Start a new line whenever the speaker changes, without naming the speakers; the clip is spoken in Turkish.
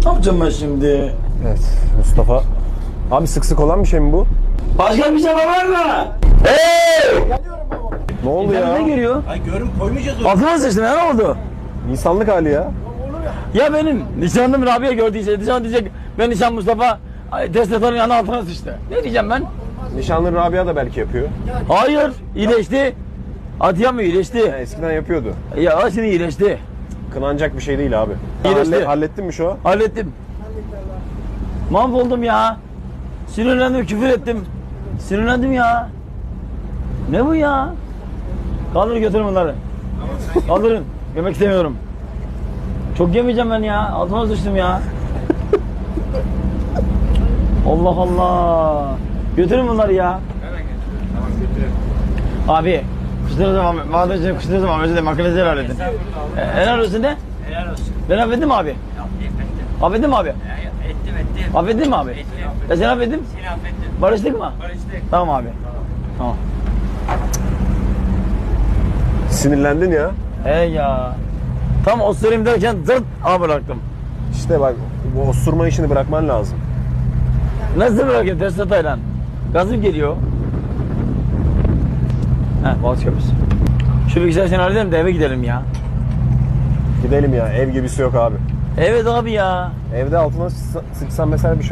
Ne yapacağım ben şimdi?
Evet Mustafa. Abi sık sık olan bir şey mi bu?
Başka bir şey var mı? Hey!
Ne oldu ya?
Ne geliyor?
Ay görüm koymayacağız onu.
Altıma sıçtım ya, ne oldu?
İnsanlık hali ya.
Ya benim nişanlım Rabia gördüyse nişan diyecek ben nişan Mustafa test etanın yanına altına sıçtı. Ne diyeceğim ben?
Nişanlı Rabia da belki yapıyor.
Hayır, iyileşti. Atiye mi iyileşti?
Ya, eskiden yapıyordu.
Ya şimdi iyileşti.
Kınanacak bir şey değil abi.
İyileşti.
Hallettin mi şu an?
Hallettim. Mahvoldum ya. Sinirlendim, küfür ettim. Sinirlendim ya. Ne bu ya? Kaldır götürün bunları. Kaldırın. Yemek istemiyorum. Çok yemeyeceğim ben ya. Altıma sıçtım ya. Allah Allah. Götürün bunları ya.
Tamam götürelim.
Abi. Kuşları zaman, madem kuşları zaman özür dilerim. Makinesi helal edin. Helal olsun de.
Helal olsun.
Ben affettim mi abi?
Ettim.
Affettin mi abi?
Ettim.
Affettin mi abi?
Ettim.
Ben seni affettim.
Seni affettim.
Barıştık mı?
Barıştık.
Tamam abi. Tamam.
Sinirlendin ya.
He ya. Tam osurayım derken zırt bıraktım.
İşte bak bu osurma işini bırakman lazım.
Nasıl bırakayım ters hatayla? Gazım geliyor. Heh, Boğaz Köprüsü. Şu bilgisayar seni halledelim de eve gidelim ya.
Gidelim ya, ev gibisi yok abi.
Evet abi ya.
Evde altına sıksan mesela bir şey